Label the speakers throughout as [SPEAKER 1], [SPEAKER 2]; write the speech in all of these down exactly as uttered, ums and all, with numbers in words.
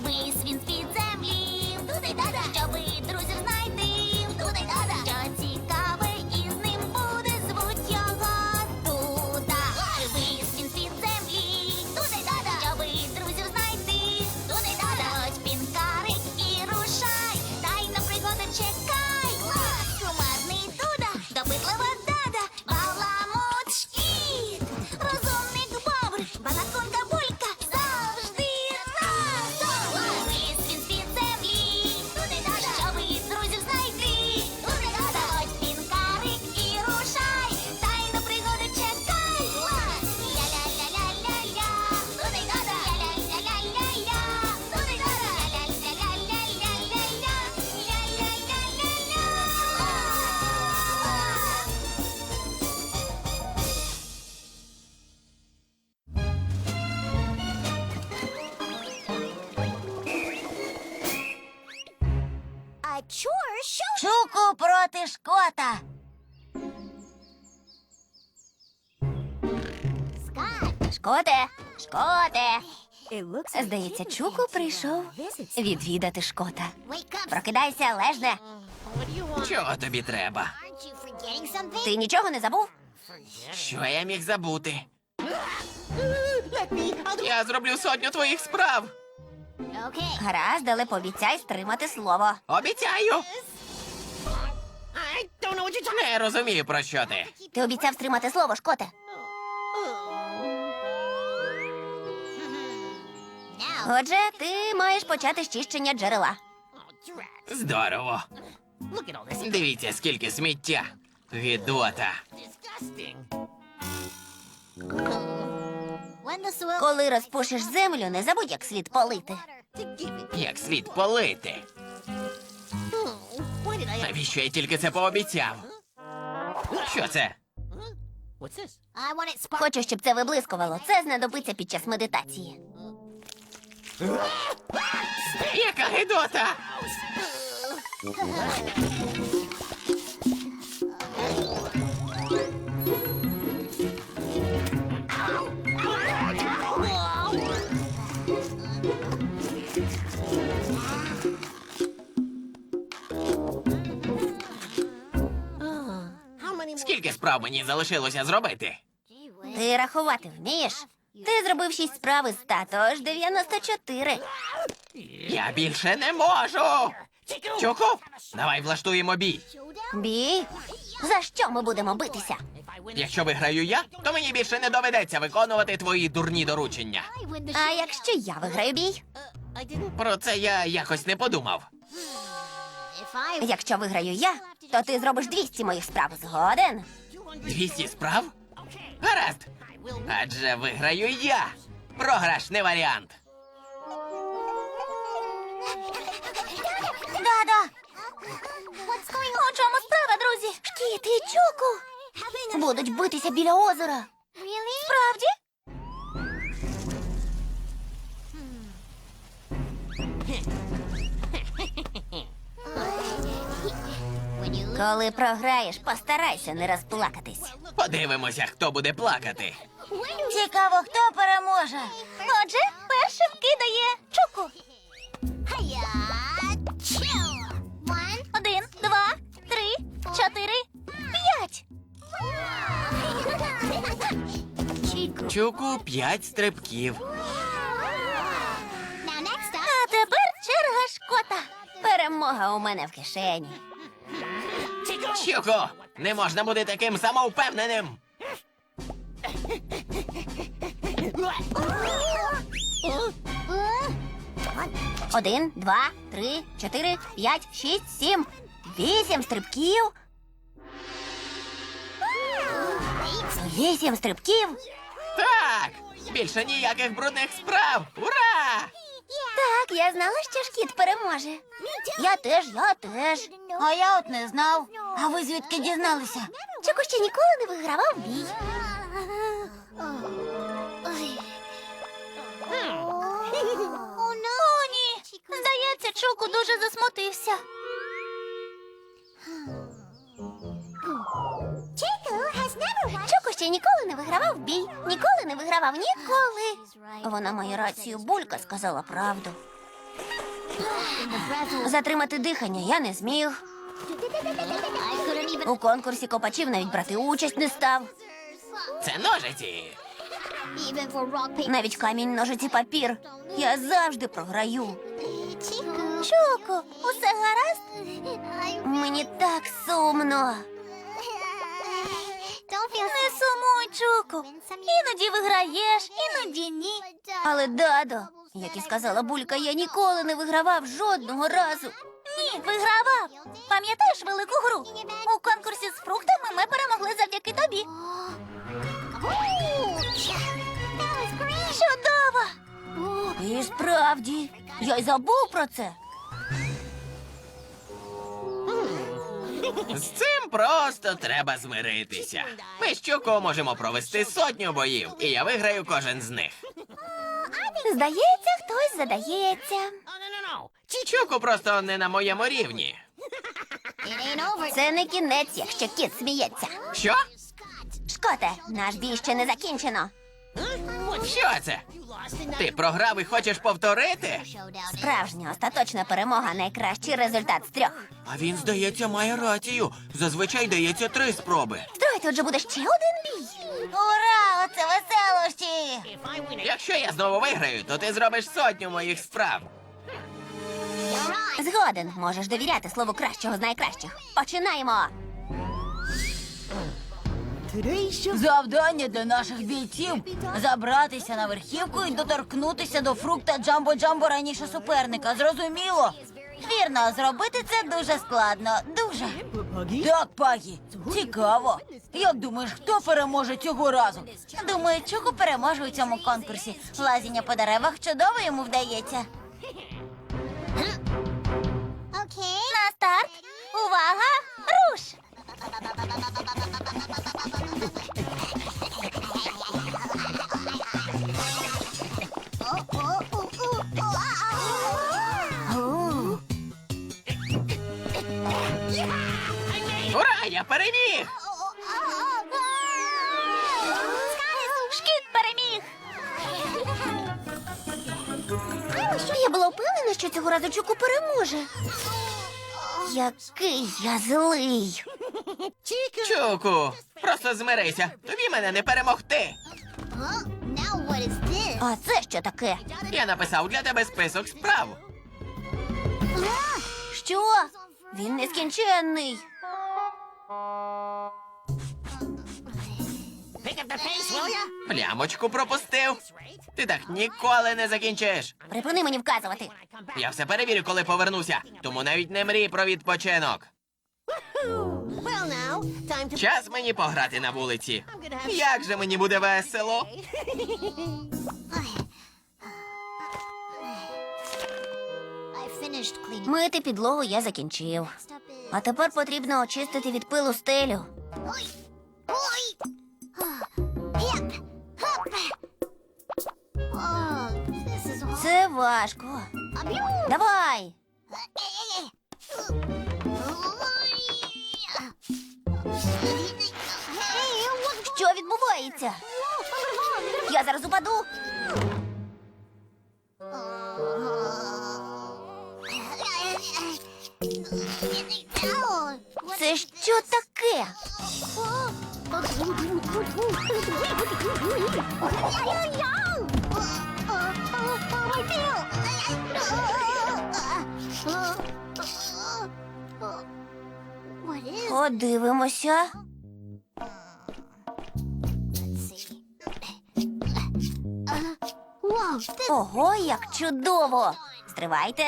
[SPEAKER 1] Вись він з-під землі, туди-дада, щоби друзів знайти, туди-дада, що цікаве із ним буде, звуть його Дуда. Вись він з-під землі, туди-дада, щоби друзів знайти, туди-дада, ось пінкарик і рушай, дай на пригоди чекай. Кумарний Дуда, допитлива дада, баламут шкіт, розумник бобр, балаконка булька, завжди разом. Ліс він з-під землі, туди-дада, щоби друзів знайти, туди-дада, ось пінкарик і рушай, дай на пригоди чекай. Ля-ля-ля-ля-ля-ля, туди-дада, ля-ля-ля-ля-ля-ля, туди-дада, ля-ля-ля-ля-ля-ля-ля, ля-ля-ля-ля-ля.
[SPEAKER 2] Чуку проти Шкота. Шкоте, Шкоте. Здається, Чуку прийшов відвідати Шкота. Прокидайся, лежне.
[SPEAKER 3] Чого тобі треба?
[SPEAKER 2] Ти нічого не забув?
[SPEAKER 3] Що я міг забути? Я зроблю сотню твоїх справ.
[SPEAKER 2] Гаразд, але пообіцяй стримати слово.
[SPEAKER 3] Обіцяю. Не розумію, про що ти.
[SPEAKER 2] Ти обіцяв стримати слово, Шкоте. Отже, ти маєш почати з чищення джерела.
[SPEAKER 3] Здорово. Дивіться, скільки сміття. Гидота.
[SPEAKER 2] Коли розпушиш землю, не забудь, як слід полити.
[SPEAKER 3] Як слід полити. Навіщо я тільки це пообіцяв? Що це?
[SPEAKER 2] Хочу, щоб це виблискувало. Це знадобиться під час медитації.
[SPEAKER 3] Яка гидота? Скільки справ мені залишилося зробити?
[SPEAKER 2] Ти рахувати вмієш? Ти зробив шість справ із ста, тож дев'яносто чотири.
[SPEAKER 3] Я більше не можу. Чуку, давай влаштуємо бій.
[SPEAKER 2] Бій? За що ми будемо битися?
[SPEAKER 3] Якщо виграю я, то мені більше не доведеться виконувати твої дурні доручення.
[SPEAKER 2] А якщо я виграю бій?
[SPEAKER 3] Про це я якось не подумав.
[SPEAKER 2] Якщо виграю я, то ти зробиш двісті моїх справ. Згоден?
[SPEAKER 3] Двісті справ? Гаразд. Адже виграю я. Програш не варіант.
[SPEAKER 2] Да-да. У чому справа, друзі? Шкіт і Чуку будуть битися біля озера. Справді? Коли програєш, постарайся не розплакатись.
[SPEAKER 3] Подивимося, хто буде плакати.
[SPEAKER 2] Цікаво, хто переможе. Отже, першим кидає Чуку. Один, два, три, чотири, п'ять.
[SPEAKER 3] Чуку п'ять стрибків.
[SPEAKER 2] А тепер черга Шкота. Перемога у мене в кишені.
[SPEAKER 3] Чуку, не можна бути таким самовпевненим.
[SPEAKER 2] Один, два, три, чотири, п'ять, шість, сім, вісім стрибків. Вісім стрибків.
[SPEAKER 3] Так, більше ніяких брудних справ. Ура!
[SPEAKER 2] Так, я знала, що Шкіт переможе. Я теж, я теж. А я от не знав. А ви звідки дізналися? Чуку ще ніколи не вигравав бій. О, ні. Здається, Чуку дуже засмутився. Чуку ще ніколи не вигравав бій. Ніколи не вигравав, ніколи. Вона має рацію, Булька сказала правду. Затримати дихання я не зміг. У конкурсі копачів навіть брати участь не став.
[SPEAKER 3] Це ножиці.
[SPEAKER 2] Навіть камінь, ножиці, папір. Я завжди програю. Чоко, усе гаразд? Мені так сумно. Не сумуй, Чоко. Іноді виграєш, іноді ні. Але, Дадо, як і сказала Булька, я ніколи не вигравав жодного разу. Ні, вигравав. Пам'ятаєш велику гру? У конкурсі з фруктами ми перемогли завдяки тобі. Чудово! І справді, я й забув про це.
[SPEAKER 3] З цим просто треба змиритися. Ми з Чуко можемо провести сотню боїв, і я виграю кожен з них.
[SPEAKER 2] Здається, хтось задається.
[SPEAKER 3] Чуко просто не на моєму рівні.
[SPEAKER 2] Це не кінець, якщо кіт сміється.
[SPEAKER 3] Що?
[SPEAKER 2] Шкоте, наш бій ще не закінчено.
[SPEAKER 3] Що це? Ти програв і хочеш повторити?
[SPEAKER 2] Справжня остаточна перемога – найкращий результат з трьох.
[SPEAKER 3] А він, здається, має рацію. Зазвичай дається три спроби.
[SPEAKER 2] Строй, тут же буде ще один бій. Ура! Оце веселощі!
[SPEAKER 3] Якщо я знову виграю, то ти зробиш сотню моїх справ.
[SPEAKER 2] Згоден, можеш довіряти слову кращого з найкращих. Починаємо!
[SPEAKER 4] Завдання для наших бійців – забратися на верхівку і доторкнутися до фрукта Джамбо-Джамбо раніше суперника. Зрозуміло?
[SPEAKER 2] Вірно, зробити це дуже складно. Дуже.
[SPEAKER 4] Так, Пагі, цікаво. Як думаєш, хто переможе цього разу?
[SPEAKER 2] Думаю, Чуку переможе у цьому конкурсі. Лазіння по деревах чудово йому вдається. На старт! Увага! Руш!
[SPEAKER 3] Ура, я переміг!
[SPEAKER 2] Шкіт переміг! Я була впевнена, що цього разу Чуку переможе. Який я злий.
[SPEAKER 3] Чуку, просто змирися. Тобі мене не перемогти.
[SPEAKER 2] А це що таке?
[SPEAKER 3] Я написав для тебе список справ.
[SPEAKER 2] Що? Він нескінченний.
[SPEAKER 3] Плямочку пропустив. Ти так ніколи не закінчиш.
[SPEAKER 2] Припини мені вказувати.
[SPEAKER 3] Я все перевірю, коли повернуся. Тому навіть не мрій про відпочинок. Час мені пограти на вулиці. Як же мені буде весело.
[SPEAKER 2] Мити підлогу я закінчив. А тепер потрібно очистити від пилу стелю. Це важко. Давай. Що відбувається? Я зараз упаду. Це що таке? Подивимося. Ого, як чудово! Стривайте.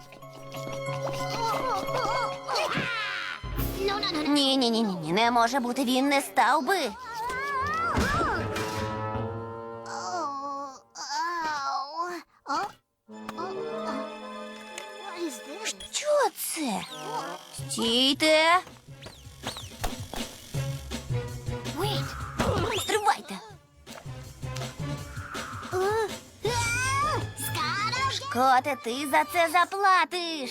[SPEAKER 2] Ні, ні, ні, ні, не може бути, він не став би. Що це? Стійте. Стривайте. Шкоте, ти за це заплатиш.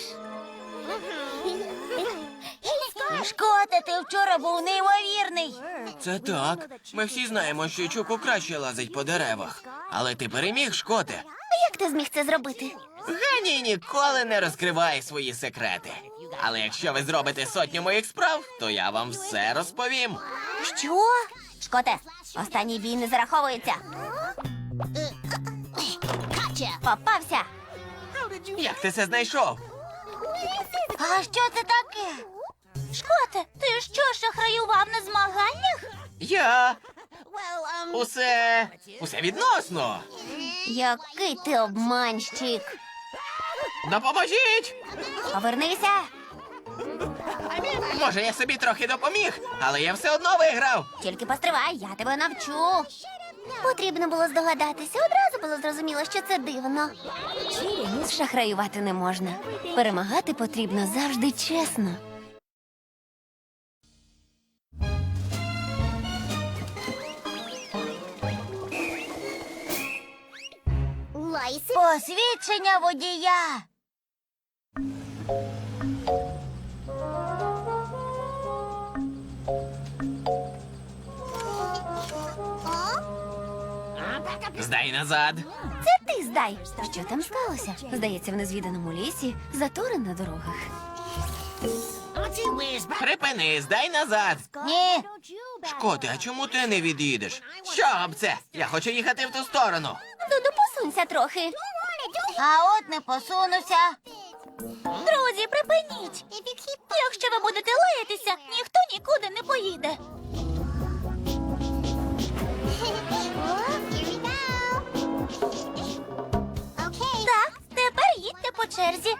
[SPEAKER 2] Шкоте, ти вчора був неймовірний.
[SPEAKER 3] Це так. Ми всі знаємо, що Чуку краще лазить по деревах. Але ти переміг, Шкоте.
[SPEAKER 2] Як ти зміг це зробити?
[SPEAKER 3] Геній ніколи не розкриває свої секрети. Але якщо ви зробите сотню моїх справ, то я вам все розповім.
[SPEAKER 2] Що? Шкоте, останній бій не зараховується. Попався.
[SPEAKER 3] Як ти це знайшов?
[SPEAKER 4] А що це таке?
[SPEAKER 2] Шкоте, ти що, шахраював на змаганнях?
[SPEAKER 3] Я. Усе. Усе відносно.
[SPEAKER 2] Який ти обманщик.
[SPEAKER 3] Допоможіть!
[SPEAKER 2] Повернися.
[SPEAKER 3] Може, я собі трохи допоміг, але я все одно виграв.
[SPEAKER 2] Тільки постривай, я тебе навчу. Потрібно було здогадатися. Одразу було зрозуміло, що це дивно. Шахраювати не можна. Перемагати потрібно завжди чесно.
[SPEAKER 4] Посвідчення водія.
[SPEAKER 3] Здай назад.
[SPEAKER 2] Це ти здай. Що там сталося? Здається, в незвіданому лісі затори на дорогах.
[SPEAKER 3] Припини, здай назад.
[SPEAKER 4] Ні.
[SPEAKER 3] Шкоти, а чому ти не від'їдеш? Що об це? Я хочу їхати в ту сторону.
[SPEAKER 2] Дуду, посунься трохи.
[SPEAKER 4] А от не посунуся.
[SPEAKER 2] Друзі, припиніть. Якщо ви будете лаятися, ніхто нікуди не поїде. Так, тепер їдьте по черзі.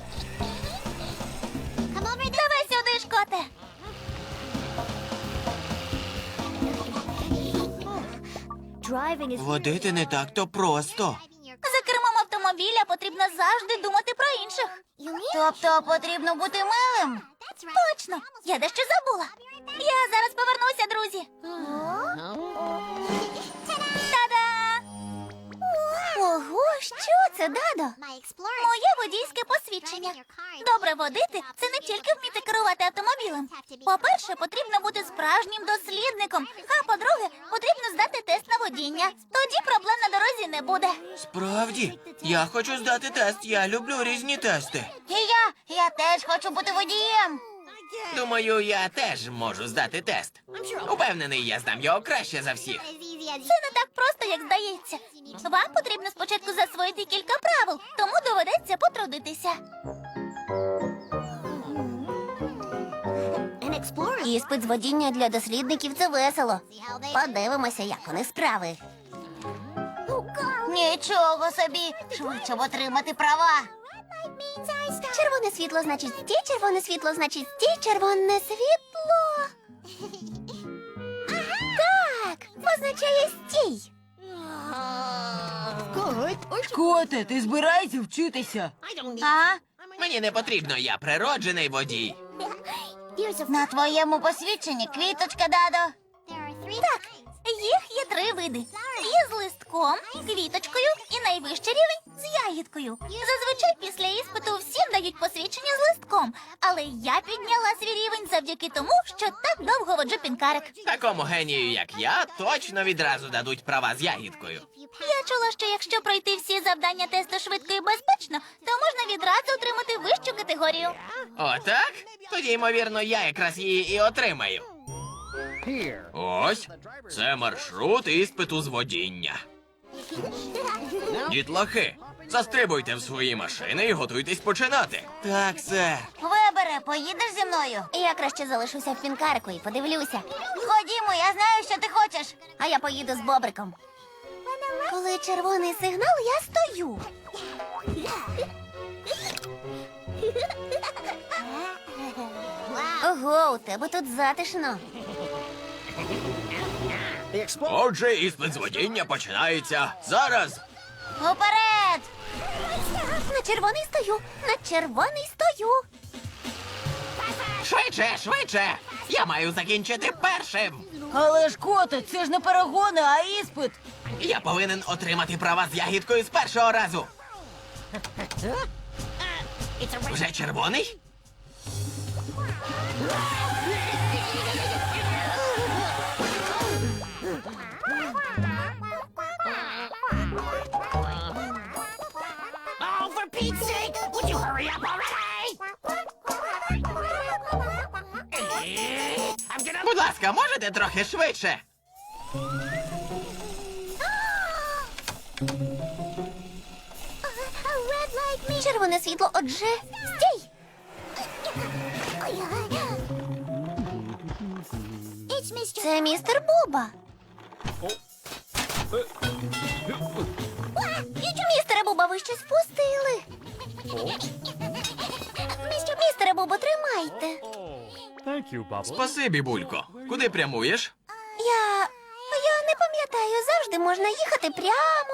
[SPEAKER 2] Давай сюди, Шкоте.
[SPEAKER 3] Водити не так-то просто.
[SPEAKER 2] За кермом автомобіля потрібно завжди думати про інших.
[SPEAKER 4] Тобто потрібно бути милим?
[SPEAKER 2] Точно, я дещо забула. Я зараз повернуся, друзі. Та-да! Ого, що це, Дадо? Моє водійське посвідчення. Добре водити – це не тільки вміти керувати автомобілем. По-перше, потрібно бути справжнім дослідником. А по-друге, потрібно здати тест на водіння. Тоді проблем на дорозі не буде.
[SPEAKER 3] Справді, я хочу здати тест. Я люблю різні тести.
[SPEAKER 4] І я, я теж хочу бути водієм.
[SPEAKER 3] Думаю, я теж можу здати тест. Упевнений, я здам його краще за всіх.
[SPEAKER 2] Це не так просто, як здається. Вам потрібно спочатку засвоїти кілька правил, тому доведеться потрудитися. Іспит з водіння для дослідників – це весело. Подивимося, як у них справи.
[SPEAKER 4] Нічого собі. Швидше б отримати права.
[SPEAKER 2] Червоне світло значить стій, червоне світло значить стій, червоне світло. Так, означає стій.
[SPEAKER 4] Шкоте, ти збираєшся вчитися? А?
[SPEAKER 3] Мені не потрібно, я природжений водій.
[SPEAKER 4] На твоєму посвідченні квіточка, Дадо.
[SPEAKER 2] Так, їх є три види. Є з листком, квіточкою і найвищий рівень з ягідкою. Зазвичай після іспиту всім дають посвідчення з листком, але я підняла свій рівень завдяки тому, що так довго воджу пінкарик.
[SPEAKER 3] Такому генію, як я, точно відразу дадуть права з ягідкою.
[SPEAKER 2] Я чула, що якщо пройти всі завдання тесту швидко і безпечно, то можна відразу отримати вищу категорію.
[SPEAKER 3] Отак? Тоді, ймовірно, я якраз її і отримаю. Ось, це маршрут іспиту з водіння. Дітлахи, застрибуйте в свої машини і готуйтесь починати. Так, сер.
[SPEAKER 4] Вибере, поїдеш зі мною?
[SPEAKER 2] Я краще залишуся в пінкарику і подивлюся.
[SPEAKER 4] Ходімо, я знаю, що ти хочеш.
[SPEAKER 2] А я поїду з бобриком. Коли червоний сигнал, я стою. Ого, у тебе тут затишно.
[SPEAKER 3] Отже, іспит з водіння починається зараз.
[SPEAKER 4] Уперед!
[SPEAKER 2] На червоний стою, на червоний стою.
[SPEAKER 3] Швидше, швидше! Я маю закінчити першим.
[SPEAKER 4] Але ж, коте, це ж не перегони, а іспит.
[SPEAKER 3] Я повинен отримати права з ягідкою з першого разу. Вже червоний? ласка, можете трохи швидше?
[SPEAKER 2] Червоне світло, отже, стій! Це містер Буба. Містере Буба, ви щось впустили. Містере Бубо, тримайте.
[SPEAKER 5] Thank you, Bubbles.
[SPEAKER 3] Спасибі, Булько. Куди прямуєш?
[SPEAKER 2] Я... я не пам'ятаю, завжди можна їхати прямо.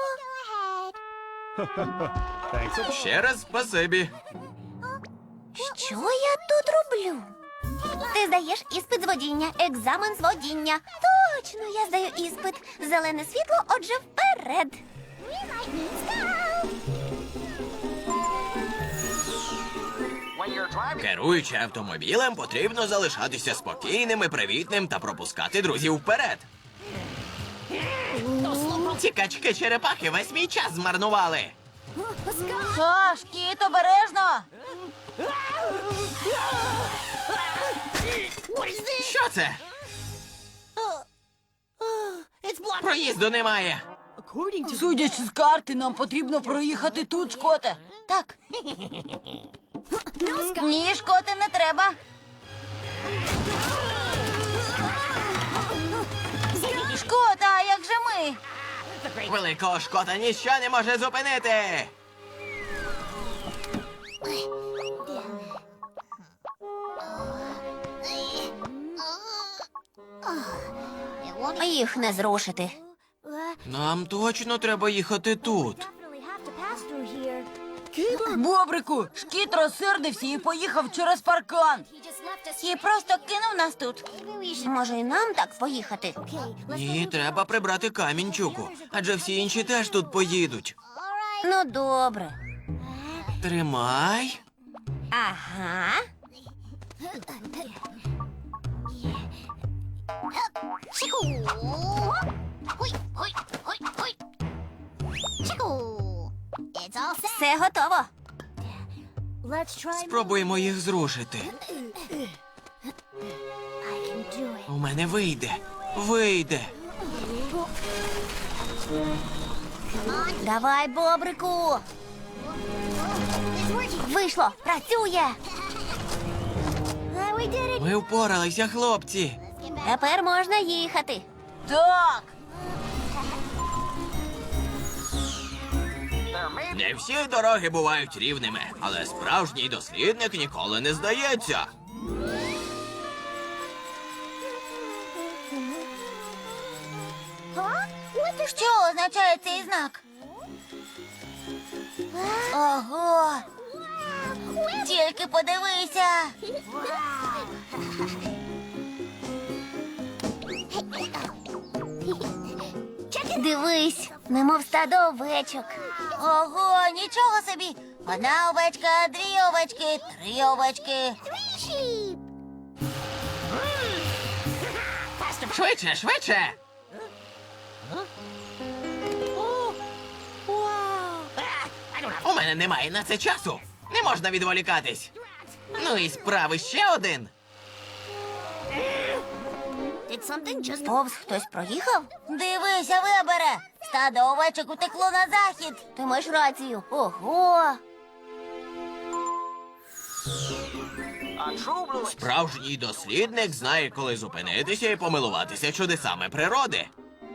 [SPEAKER 5] Thanks.
[SPEAKER 3] Ще раз спасибі.
[SPEAKER 2] Що я тут роблю? Ти здаєш іспит з водіння, екзамен з водіння. Точно, я здаю іспит. Зелене світло, отже, вперед.
[SPEAKER 3] Керуючи автомобілем, потрібно залишатися спокійним і привітним та пропускати друзів вперед. Ці качки-черепахи весь мій час змарнували.
[SPEAKER 4] Ха, Шкіт, обережно!
[SPEAKER 3] Що це? Проїзду немає.
[SPEAKER 4] Судячи з карти, нам потрібно проїхати тут, Шкоте. Так. Ні, Шкоте, не треба. Шкота, а як же ми?
[SPEAKER 3] Великого Шкота ніщо не може зупинити.
[SPEAKER 2] Їх не зрушити.
[SPEAKER 3] Нам точно треба їхати тут.
[SPEAKER 4] Бобрику, Шкіт розсердився і поїхав через паркан. І просто кинув нас тут.
[SPEAKER 2] Може, і нам так поїхати?
[SPEAKER 3] Ні, треба прибрати камінчуку, адже всі інші теж тут поїдуть.
[SPEAKER 2] Ну, добре.
[SPEAKER 3] Тримай.
[SPEAKER 2] Ага. Все готово.
[SPEAKER 3] Спробуємо їх зрушити. У мене вийде. Вийде.
[SPEAKER 2] Давай, Бобрику. Вийшло, працює.
[SPEAKER 3] Ми впоралися, хлопці.
[SPEAKER 2] Тепер можна їхати.
[SPEAKER 4] Так.
[SPEAKER 3] Не всі дороги бувають рівними, але справжній дослідник ніколи не здається.
[SPEAKER 2] Що означає цей знак? Ого! Тільки подивися! Дивись, немов стадо овечок.
[SPEAKER 4] Ого, нічого собі. Одна овечка, дві овечки, три овечки.
[SPEAKER 3] Швидше, швидше! У мене немає на це часу. Не можна відволікатись. Ну і справи ще один.
[SPEAKER 2] Повз хтось проїхав?
[SPEAKER 4] Дивися, Вебере. Стадо овечок утекло на захід.
[SPEAKER 2] Ти маєш рацію. Ого!
[SPEAKER 3] Справжній дослідник знає, коли зупинитися і помилуватися чудесами природи.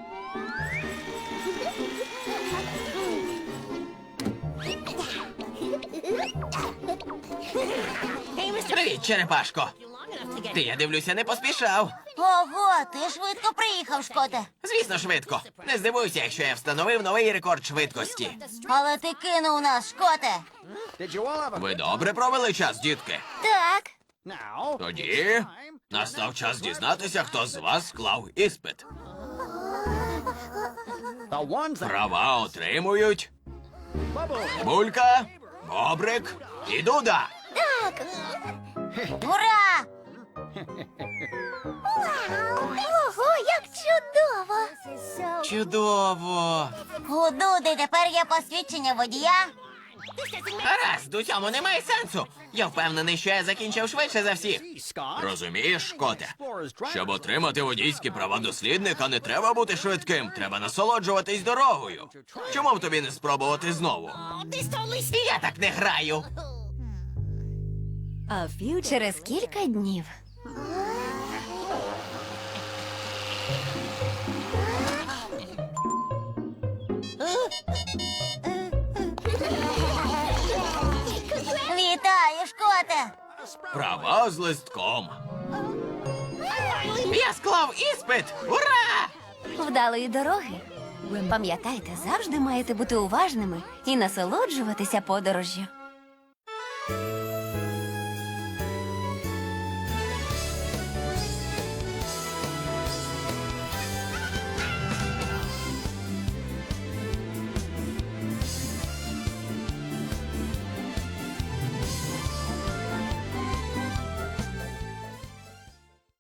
[SPEAKER 3] Привіт, черепашко. Ти, я дивлюся, не поспішав.
[SPEAKER 4] Ого, ти швидко приїхав, Шкоте.
[SPEAKER 3] Звісно, швидко. Не здивуйся, якщо я встановив новий рекорд швидкості.
[SPEAKER 4] Але ти кинув нас, Шкоте.
[SPEAKER 3] Ви добре провели час, дітки?
[SPEAKER 2] Так.
[SPEAKER 5] Now,
[SPEAKER 3] Тоді настав час дізнатися, хто з вас склав іспит.
[SPEAKER 5] the ones that
[SPEAKER 3] Права отримують
[SPEAKER 5] Bubbles.
[SPEAKER 3] Булька, Бобрик і Дуда.
[SPEAKER 2] Так.
[SPEAKER 4] Ура!
[SPEAKER 2] Ого, як чудово!
[SPEAKER 3] Чудово.
[SPEAKER 4] У Дуди тепер є посвідчення водія.
[SPEAKER 3] Гаразд, у цьому немає сенсу. Я впевнений, що я закінчив швидше за всіх.
[SPEAKER 5] Gee, Scott.
[SPEAKER 3] Розумієш, Шкоте?
[SPEAKER 5] Explorer's driver.
[SPEAKER 3] Щоб отримати водійські права дослідника, не треба бути швидким, треба насолоджуватись дорогою. Чому б тобі не спробувати знову? Я так не граю.
[SPEAKER 2] Через кілька днів.
[SPEAKER 4] Вітаю, Шкоте!
[SPEAKER 3] Права з листком. Я склав іспит! Ура!
[SPEAKER 2] Вдалої дороги. Пам'ятайте, завжди маєте бути уважними і насолоджуватися подорожжю.